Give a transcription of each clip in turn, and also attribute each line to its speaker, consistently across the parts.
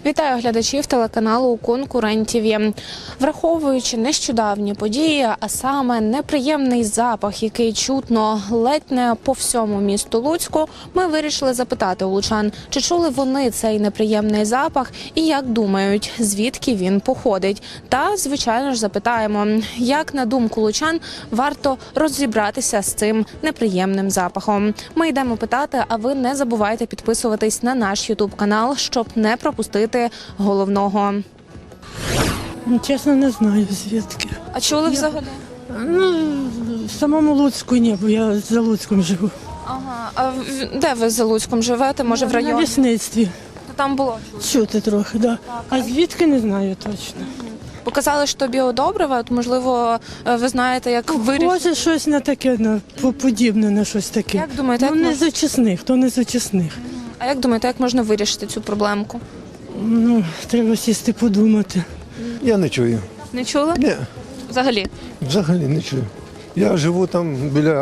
Speaker 1: Вітаю глядачів телеканалу «Конкурент-ТВ». Враховуючи нещодавні події, а саме неприємний запах, який чутно ледь не по всьому місту Луцьку, ми вирішили запитати у лучан, чи чули вони цей неприємний запах і як думають, звідки він походить. Та, звичайно ж, запитаємо, як, на думку лучан, варто розібратися з цим неприємним запахом. Ми йдемо питати, а ви не забувайте підписуватись на наш ютуб-канал, щоб не пропустити головного.
Speaker 2: Чесно, не знаю звідки.
Speaker 1: А чули взагалі?
Speaker 2: В самому Луцьку ні, бо я за Луцьком живу.
Speaker 1: Ага. А де ви за Луцьком живете? Може, в
Speaker 2: На
Speaker 1: районі?
Speaker 2: лісництві.
Speaker 1: Там було.
Speaker 2: Чути трохи, да. А звідки не знаю точно.
Speaker 1: Показали, що біодобрива, от, можливо, ви знаєте, як вирішити.
Speaker 2: Може щось на таке, подібне на щось таке.
Speaker 1: Як думаєте,
Speaker 2: Ну,
Speaker 1: як
Speaker 2: не з очисних, то не з очисних.
Speaker 1: А як думаєте, як можна вирішити цю проблемку?
Speaker 2: Ну, треба сісти подумати.
Speaker 3: Я не чую.
Speaker 1: Не чули?
Speaker 3: Ні,
Speaker 1: Взагалі?
Speaker 3: взагалі не чую. Я живу там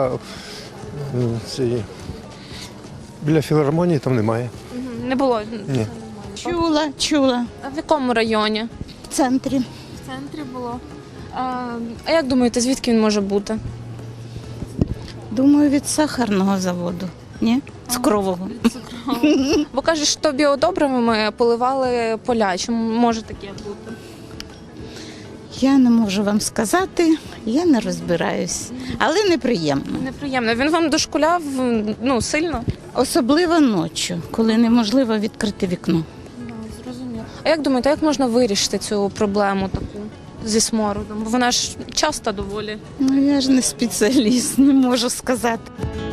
Speaker 3: біля філармонії, там немає.
Speaker 1: Не було.
Speaker 3: Ні.
Speaker 4: Чула.
Speaker 1: А в якому районі?
Speaker 4: В центрі.
Speaker 1: В центрі було. А як думаєте, звідки він може бути?
Speaker 4: Думаю, від сахарного заводу. Ні? Цукрового.
Speaker 1: Бо кажуть, що біодобривами поливали поля. Чи може таке бути?
Speaker 4: Я не можу вам сказати, я не розбираюсь. Але неприємно.
Speaker 1: Неприємно. Він вам дошкуляв, сильно?
Speaker 4: Особливо ночі, коли неможливо відкрити вікно.
Speaker 1: Зрозуміло. А як думаєте, як можна вирішити цю проблему таку зі смородом? Бо вона ж часто доволі.
Speaker 4: Ну, я ж не спеціаліст, не можу сказати.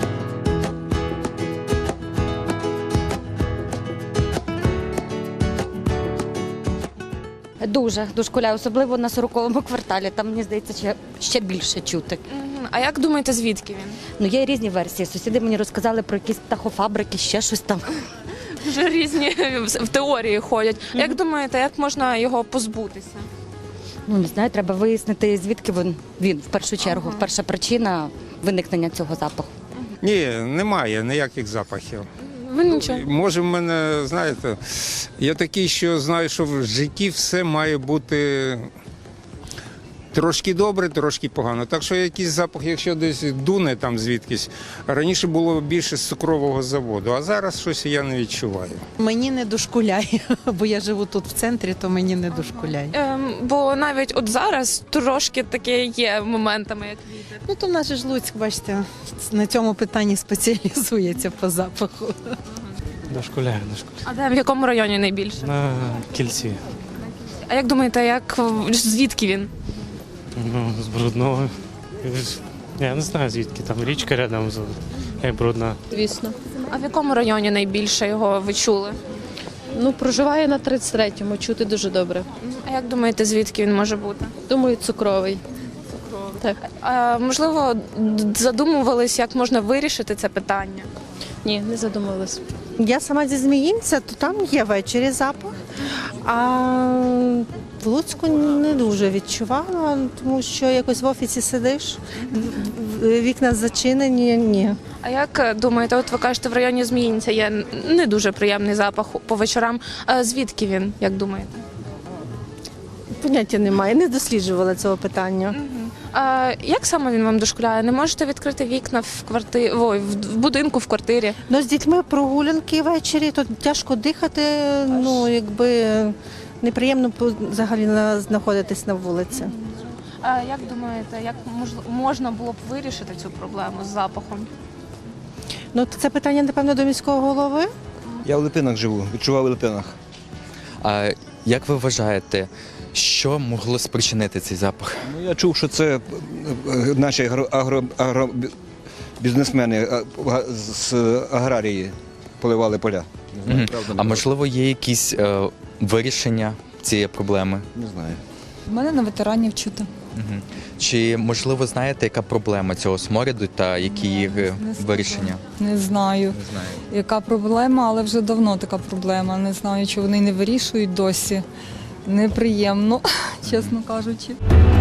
Speaker 5: Дуже дошкуляє, особливо на 40-му кварталі. Там, мені здається, ще більше чути.
Speaker 1: А як думаєте, звідки він?
Speaker 5: Ну, є різні версії. Сусіди мені розказали про якісь птахофабрики, ще щось там.
Speaker 1: Вже різні в теорії ходять. Як думаєте, як можна його позбутися?
Speaker 5: Ну, не знаю, треба вияснити, звідки він в першу чергу. Перша причина виникнення цього запаху.
Speaker 6: Ні, немає ніяких запахів.
Speaker 1: Ви нічого.
Speaker 6: Може, в мене, знаєте, я такий, що знаю, що в житті все має бути трошки добре, трошки погано. Так що якийсь запах, якщо десь дуне там звідкись, раніше було більше з цукрового заводу, а зараз щось я не відчуваю.
Speaker 7: Мені не дошкуляє, бо я живу тут в центрі, то мені не дошкуляє.
Speaker 1: Бо навіть от зараз трошки таке є моментами, як вітер.
Speaker 7: Ну то в нас же ж Луцьк, бачите, на цьому питанні спеціалізується по запаху.
Speaker 8: Дошкуляє.
Speaker 1: А де в якому районі найбільше?
Speaker 8: На кільці.
Speaker 1: А як думаєте, звідки він?
Speaker 8: Ну, з Брудного. Я не знаю звідки, там річка рядом, як Брудна.
Speaker 9: Звісно.
Speaker 1: А в якому районі найбільше його ви чули?
Speaker 9: Ну, проживає на 33-му, чути дуже добре.
Speaker 1: А як думаєте, звідки він може бути?
Speaker 9: Думаю, цукровий. Так.
Speaker 1: А, можливо, задумувались, як можна вирішити це питання?
Speaker 9: Ні, не задумувалась.
Speaker 10: Я сама зі Зміїнця, то там є ввечері запах, а в Луцьку не дуже відчувала, тому що якось в офісі сидиш, вікна зачинені, ні.
Speaker 1: А як думаєте, от ви кажете, в районі Зміїнця є не дуже приємний запах по вечорам. А звідки він, як думаєте?
Speaker 10: Поняття немає, не досліджувала цього питання.
Speaker 1: А як саме він вам дошкуляє? Не можете відкрити вікна в будинку, в квартирі?
Speaker 10: Ну, з дітьми прогулянки ввечері, то тяжко дихати, якби неприємно взагалі знаходитись на вулиці.
Speaker 1: А як думаєте, як можна було б вирішити цю проблему з запахом?
Speaker 10: Ну, це питання, напевно, до міського голови.
Speaker 11: Я в Липинах живу, відчував у Липинах.
Speaker 12: А як ви вважаєте, що могло спричинити цей запах?
Speaker 11: Ну, я чув, що це наші бізнесмени з аграрії поливали поля. Не знаю, правда,
Speaker 12: А можливо, є якісь вирішення цієї проблеми?
Speaker 11: не знаю.
Speaker 13: У мене на ветеранів чути.
Speaker 12: Чи, можливо, знаєте, яка проблема цього смороду та які їх вирішення?
Speaker 13: Не знаю,
Speaker 12: Не знаю.
Speaker 13: яка проблема, але вже давно така проблема. Не знаю, чи вони не вирішують досі. Неприємно, чесно кажучи.